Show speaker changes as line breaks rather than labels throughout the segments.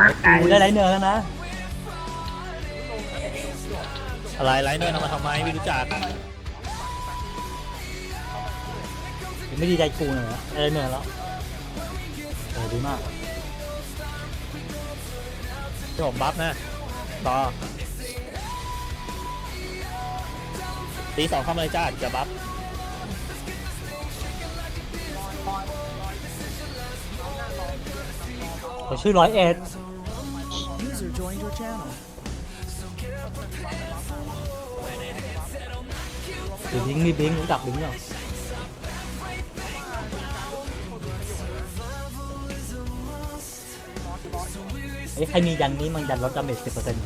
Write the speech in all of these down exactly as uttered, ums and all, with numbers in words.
กูได้ไรเนื้อแล้วนะ
อะไรไลเนอร์ทำมาทำไมไม่รู้จัก
ไม่ดีใจกูหน่อยนะได้ไรเนื้อแล้วเออดีมาก
ที่ผมบัฟนะต่อตีสองเข้ามาเลยจ้าจะบัฟ
เขาชื่อร้อยเอ็ด
User joined your channel.
หรือบิงมีบิงรู้จักบิงเหรอไอ้ใครมียันนี้มันยันลดดาเมจสิบเปอร์เซ็นต์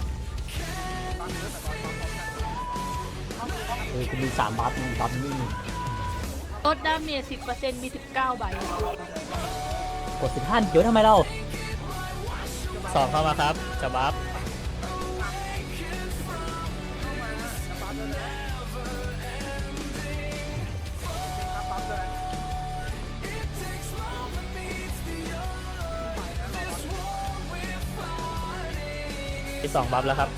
เออคุณมีสามบัฟมึงบัฟนี่
ลดดาเมจ สิบเปอร์เซ็นต์ มี สิบเก้า ใบ
กดสิบห้าเดี๋ยวทำไมเรา
สองเข้ามาครับจะบัฟที่สองบัฟแล้วครับ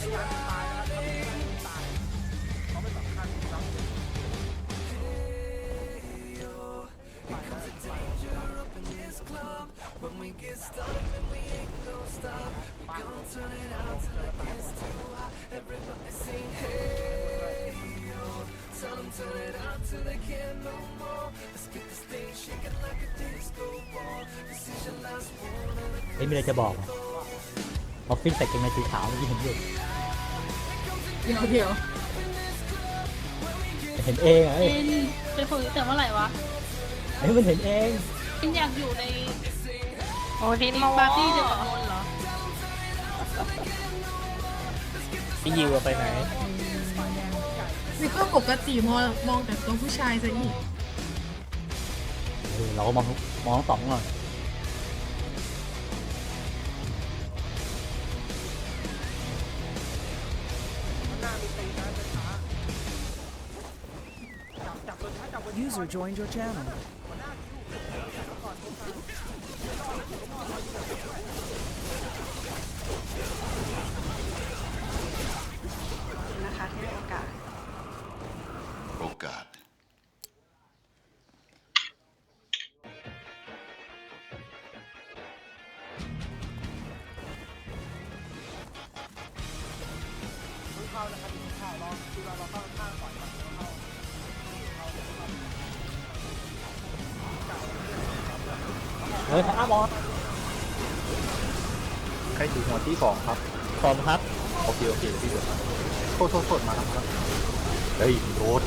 เฮ้ยมีอะไรจะบอกอ่ะออฟฟิศใส่กางเกงในสีขาวเมื่อกี้เห็นอยู่
เดี๋ยวเดี๋ยว
เห็นเองอ่ะเอ้ย
เป็นเป็นคนแต่เมื่อไหร่วะ
เฮ้ยมันเห็นเอง
เป็นอยากอยู่ใน
โอ้ทิน
ใน
มา
ปาร์ตี้เดียวกับนนท์เหรอ
พี่ยิวไปไหน
นี่ก็ปกติมองมองแต่ตัวผู้ชายซะอีก
เออเราก็มองมองทั้งสองหน่อย
User joined your channel.
นะคะที่ให้โอกาส
โอกาส
เฮ้ยอ้าบอล
ใครถือหัวที่สองครับ
พร้อมครับ
โอเคโอเคเดี๋ยวพี่เดี๋ยวนะโทษโทษโทษมาครับมาครับเฮ้ยโทษ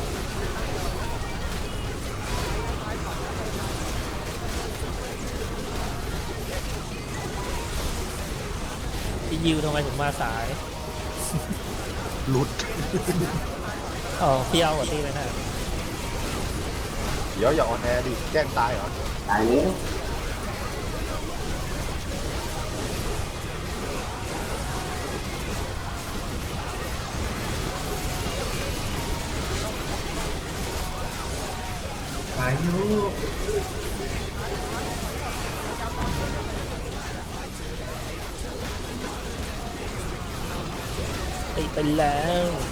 พี่ยิวทำไมถึงมาสาย
หลุด
อ๋อพี่เอาหัวตีไปนะ
เดี๋ยวอย่าออนแอร์ดิแกล้งตายเหรอ
ตายแล้ว
ตีไปแล้ว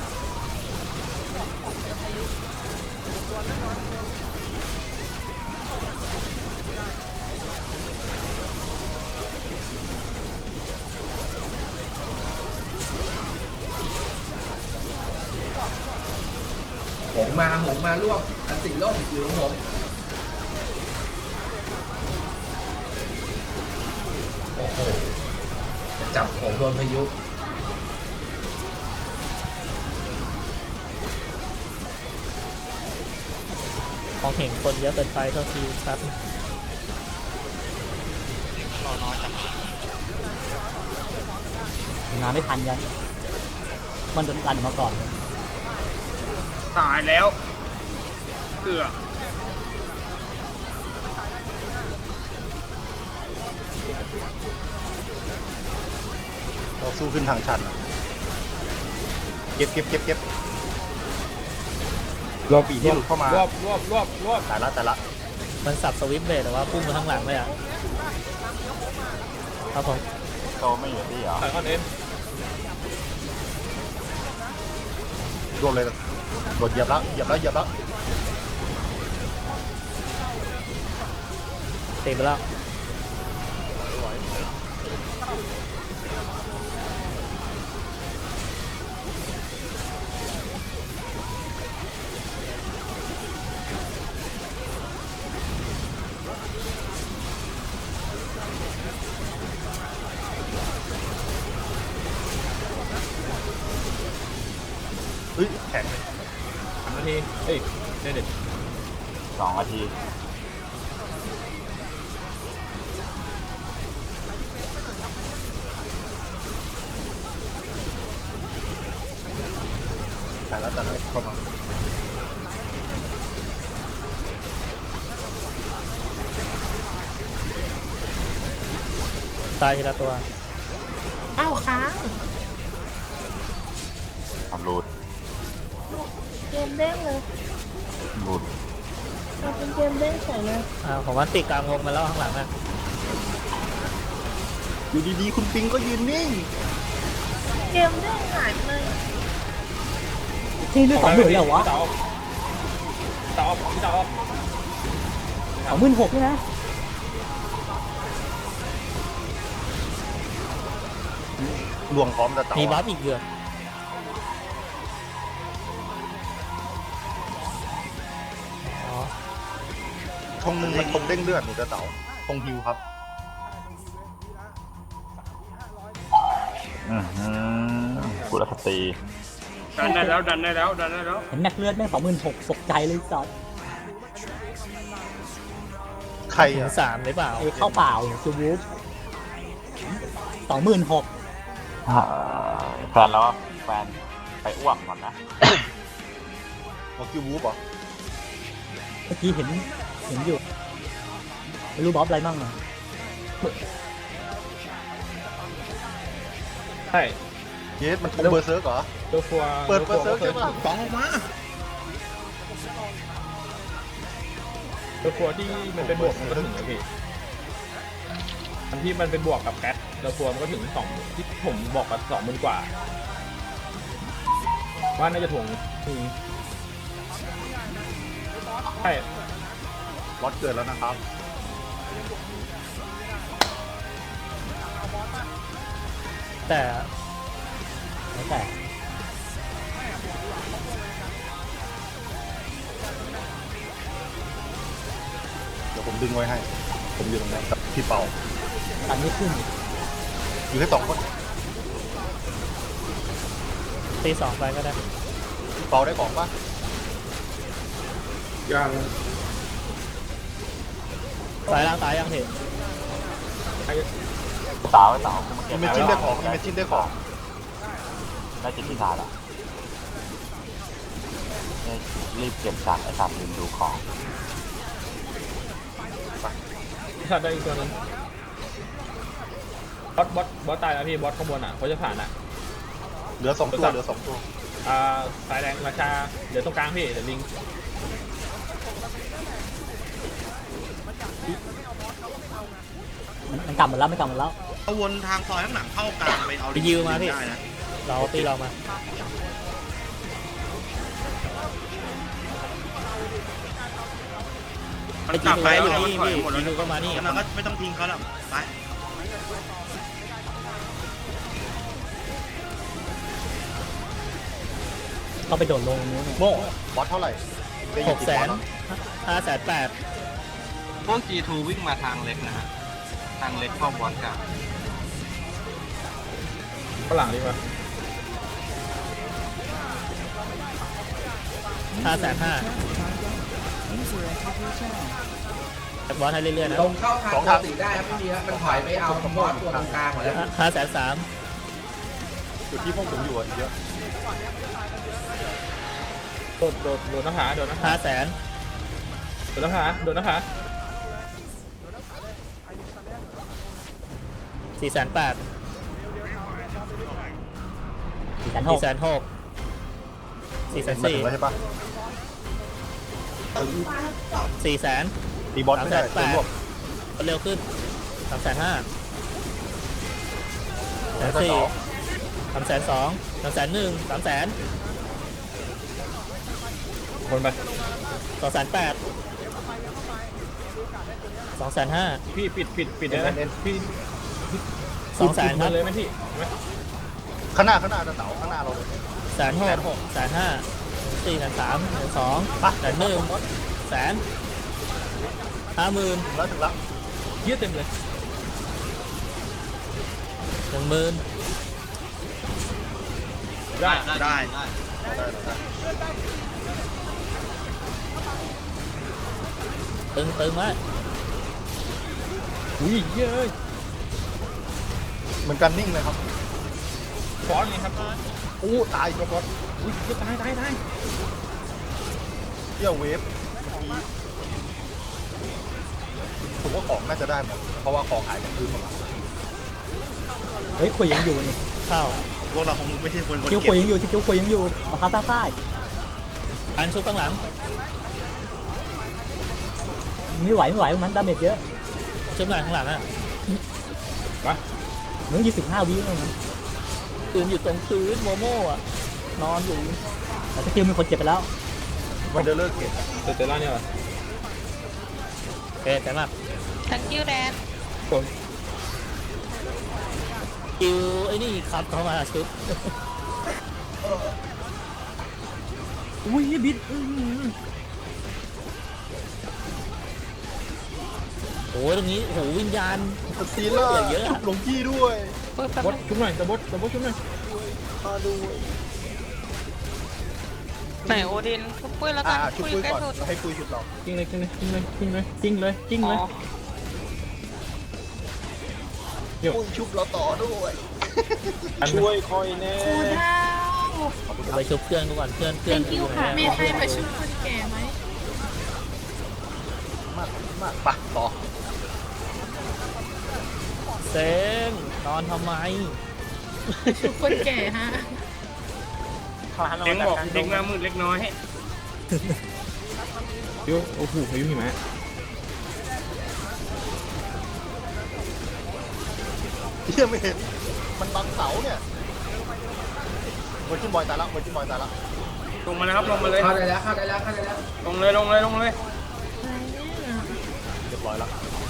หงมาหงมาร่วมอันสีร่มอยู่ของผมโอ้โหจะจับผมโดนพายุ
ของเห็นคนเยอะเกินไปเท่าทีครับ
งานไม่ทันยันมันโดนกันมาก่อน
ตายแล้วเกือ
เราสู้ขึ้นทางชันอะเก็บเก็บเก็บเก็บรอบปีที่หลุดเข้ามาร
วบรวบรวบรวบ
แต่ละแต่ละ
มันสับสวิปเบรดแต่ว่าพุ่งมาข้างหลังเลยอ่ะครับผม
โตไม่อยู่ที่เหรอ
ใส่คอนเอ็น
รวมเลยโดนเหยียบแล้วเหยียบแล้วเหยียบแล้ว
ตีไปแล้ว
เฮ้ยแข็ง
สามนาทีเอ้ยเด็ด
สองนาที
แต่แล้วแต่แล้วเข้ามา
ตายทีละตัว
เอ้าค้าง
ทำรูด
เกมเด้งเลย
รูด
เราเป็นเกมเด้งใส่เลย
อ่าผมว่าติดกลางวงมาแล้วข้างหลังอ่ะ
อยู่ดีๆคุณปิงก็ยืนนิ่ง
เกมเด้งหายไปเลย
ที่เลือดสองหมื่นเลยเหรอวะ
เต๋าเต๋าพี่เต๋า
สองหมื่นหกใช่ไหม
ลวงพร้อมแต่เต่า
มีบัฟอีกเดือน อ๋อ
ธงหนึ่งมันธงเด้งเลือดหนูจะเต่าธงฮิวครับ
อือหือกุลสตรี
ดันได้แล้วดันได้แล้วดันได้แล้ว
เห็นแม็กเลือดแม่งสองหมื่นหกตกใจเลยสัส
ใคร
ถึง
อ่ะ
สามหรือเปล่า
ไอ้เข้าเปล่าซูวูฟสองหมื่นหก
อ่าแฟนแล้วแฟนไปอ้วกก่อนนะ
มอคิววูฟเหรอ
เมื่อกี้เห็นเห็นอยู่ไม่รู้บอสอะไรมั่งอ่ะ
ใช่
เยสมันธงเบอร์เซิร์กเหรอ
ตัวฟัว
เปิดเบอร์เซิร์กใช่ปะ
สองออกมา
ตัวฟัวที่มันเป็นบวกมันก็ถึงนะพี่อันที่มันเป็นบวกกับแคทตัวฟัวมันก็ถึงสองที่ผมบอกกับสองหมื่นกว่า ว่าน่าจะถ่วงถึงใช่
รถเกิดแล้วนะครับ
แต่
แล้วแต่
เดี๋ยวผมดึงไว้ให้ ผมอยู่ตรงนั้นกับพี่เปา
ตันไม่ขึ้น
อยู่แค่สองคน
ตีสองไปก็ได้
พี่เปาได้ของปะ
ยัง
สายล่างตายยังเห็น
สาวสาวกูมาเก็
มี
บ
เมจินได้ของมีเมจินได้ของ
ได้จิตที่สามอ่ะเนี่ยรีบเก็บจากไอ้สามลืมดูของ
ชัดได้อีกตัวนึงบอสบอสบอสตายแล้วพี่บอสข้างบนอ่ะเขาจะผ่านอ่ะ
เหลือสองตัวเหลือสองตัว
อ่าสายแดงราชาเดี๋ยวตรงกลางพี่เดี๋ยวลิง
มันมันกลับหมดแล้วไม่กลับหมดแล้ว
เอาวนทางซอยข้างหลังเข้ากลางไปเอา
ไปยิวมาพี่
ได้นะ
เราตีเรามา
มันกลับไป
อยู่
เอา
นี่
มันถอย
พี่
หมดแล้ว
ยิวก็มานี่
งั้นเราก็ไม่ต้องทิ้งเขาแล้วไป
ก็ไปโดดลงตรงนู้น
โม่
บอสเท่าไหร่ได้
ห
ยิ
ก
กี่
แส
บอส
น
แล้ว
ห้าแสนแปด
พวก จี ทู วิ่งมาทางเล็กนะฮะ ทางเล็กเข้าบอลกลาง
ฝรั่งดีกว่าห้าแสนห้า
User entered your channel.
บอสให้เรื่อยๆนะ
ลงเข้าทางปกติได้ครับไม่มีครับมันถอยไปเอาบอสตัวตรงกลางหมดแล้ว
ห้าแสนสาม
จุดที่พวกผมอยู่อ่ะเยอะ
โดดโดดโดดหน้าผาโดดหน้าผาห้าแสนโดดหน้าผาโดดหน้าผาสี่แสนแปด
สี่แสนห
สี่
ก
แสนหกสี่แสน
มา
สี่
ถึงแล้วใช่ปะ
สี่แสน
ตีบอสไม่ได้
สามแสนแป
ตัว
ด
รวบ
เร็วขึ้นสามแสนห้า
แสนสี่สามแสนสองสามแสนหนึ่งสามแสน
คนไป
สองแสนแปดสองแสนห้า
พี่ปิดปิดปิดเลยนะพี่
สองแสนค
มา
รับ
เลยไหมพี่ไหม
ข้างหน้าข้างหน้าจะเต๋าข้างหน้าเราเลย
แสนหกแสนห้าสี่แสนสามแสนสอง
ไป
แสนหนึ่งแสนห้าหมื่น
ถึงแล้วถึงแล้ว
เยอะเต็มเลย
หนึ่งหมื่น
ได้
ได้
ได้ได้ได้
ตึงตึงไว้
อุ้ยเยอะ
เหมือนกันนิ่งเลยครับ
ฟอนต์นี่ครับ
อู้ตายตัวบอส
อุ้ยตายตายตาย
เที่ยวเวฟเมื่อกี้ผมว่าของน่าจะได้หมดเพราะว่าของหายจากพื้นหมดแล้ว
เฮ้ยคุยยังอยู่นี่เข้า
พวกเราคงไม่ใช่คนคน
คิว
เก็
คุ
บ
ยยังอยู่ที่คิวคุยยังอยู่มาคาใต้ใต้อันชุบข้างหลังไม่ไหวไม่ไหวมันดาเมจเยอะชุบหลังข้างหลังอ่ะ
ไป
มึงยี่สิบห้าวิแล้วมันปืนอยู่ตรงพื้นโมโม่อะนอนอยู่แต่สกิลมีคนเจ็บไปแล้ว
วันเดอร์เลอร์เกต
เตเตล่าเนี่ยเหรอ
เอ๊ะแต่มาก
thank you dad
คน
คิวไอ้นี่ครับเข้ามาชุบอุ้ยบิดโอ้ยตรงนี้โหวิญญาณ
สตีเลอร์
เยอะ
จุกหลงกี้ด้วย
บดชุบหน่อยตะบดตะบดชุบหน่อย
มาด้วย
ไหนโอดินชุบปุ้ยแล้วกั
อ่าน ชุบ
ปุ้ย
ปุ้ย
ใกล้
ก่อน
สุด
แล้วให้ปุ้ยชุบเรา
จริงเลยจริงเลยจริงเลยจริงเลยจริงเลยจริงเลย
อ๋อ
เดี๋ยว
ปุ้ยชุบเราต่อด้วย
ช่วยคอยแน่
ครูดาว
ไปชุบเพื่อนก่อนเพื่อนเพื่อน
thank you ค่ะ
มีใครมาช่วยคนแก่ไหม
มากมากไปต่อ
เซงนอนทำไม
ช่วยคนแก่ฮะ
เด็กบอกเด็กมามืดเล็กน้อย
เดี๋ยวโอ้โหพายุหิมะ
เฮียไม่เห็นมันบังเสาเนี่ยเวอร์จินบอยตายละเวอร์จินบอยตายละ
ลงมาเลยครับลงมาเลย
เข้าได้แล้วเข้าได้แล้วเข้าได้แล้ว
ลงเลยลงเลยลงเลย
เรียบร้อยละ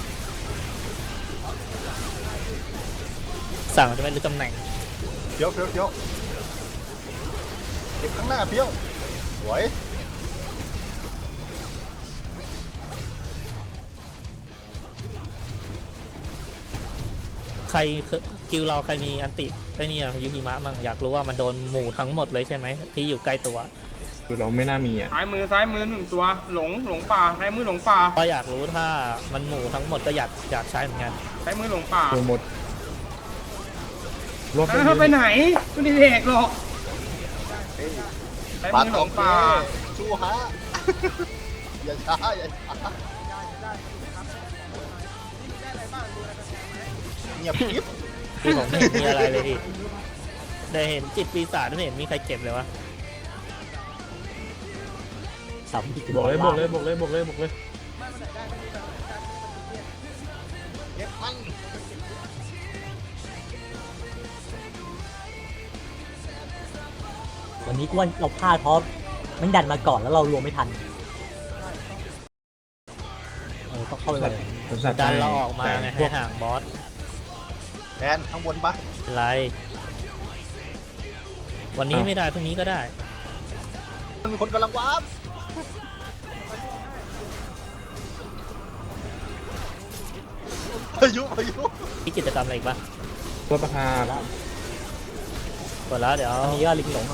สั่งจะไม่รู้ตำแหน่ง
เพี้ยวเพี้ยวเพี้ยวเก็บข้างหน้าเพี้ยวสวย
ใครคิวเราใครมีอันติไอ้นี่อะยูฮิมะมั่งอยากรู้ว่ามันโดนหมู่ทั้งหมดเลยใช่ไหมที่อยู่ใกล้ตัว
คือเราไม่น่ามีอ่ะ
ซ้ายมือซ้ายมือหนึ่งตัวหลงหลงป่าซ้ายมือหลงป่า
ก็อยากรู้ถ้ามันหมู่ทั้งหมดก็อยากอยากใช้เหมือนกัน
ซ้ายมือหลงป่า
ตัวหมดรถ
อ้าวไปไหนไม่ได้เด็กหรอกซ้าย
ปา
มือ
ด
หล
ของ
ง
เก
ป่า
สู้ฮะ อย่าช้าอย่าช้าเงียบกิ๊บ
ที่ผมไม่เห็นมีอะไรเลยดิได้เห็นจิตปีศาจไม่เห็นมีใครเจ็บเลยวะสาม
บอกเลยบอกเลยบอกเลยบอกเลยบอกเลย
เก็บมัน
วันนี้กวนเราพลาดเพราะมันดันมาก่อนแล้วเรารวมไม่ทันเออต้องเข้าไปเลยดันเราออกมาไงให้ห่างบอส
แทนข้างบนปะ
ไร วันนี้ไม่ได้พรุ่งนี้ก็ได้
มันมีคนกำลังวาร์ปพายุพายุ
มีกิจกรรมอะไรอีกปะ
รถประพา
หมดแล้วเดี๋ยวมีก็ลิงหลง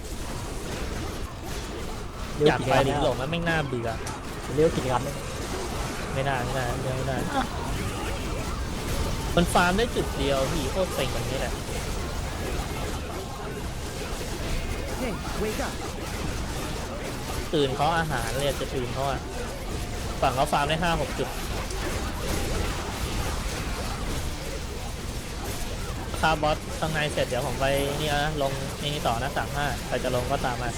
อยากไปลิงหลงมันไม่น่าเบื่อเรียกกิจกรรมไม่น่าไม่น่าไม่น่ามันฟาร์มได้จุดเดียวพี่โคตรเซ็งแบบนี้แหละตื่นเขาอาหารเลยจะตื่นเขาอะฝั่งเขาฟาร์มได้ห้าหกจุดคาบอสข้างในเสร็จเดี๋ยวผมไปนี่นะลงนี่ต่อนะสามห้าใครจะลงก็ตามมา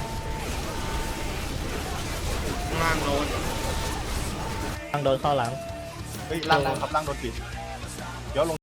ล่างโดน
ทางโดนเข้าหลัง
เฮ้ยล่างล่างครับล่างโดนปิดเดี๋ยวลง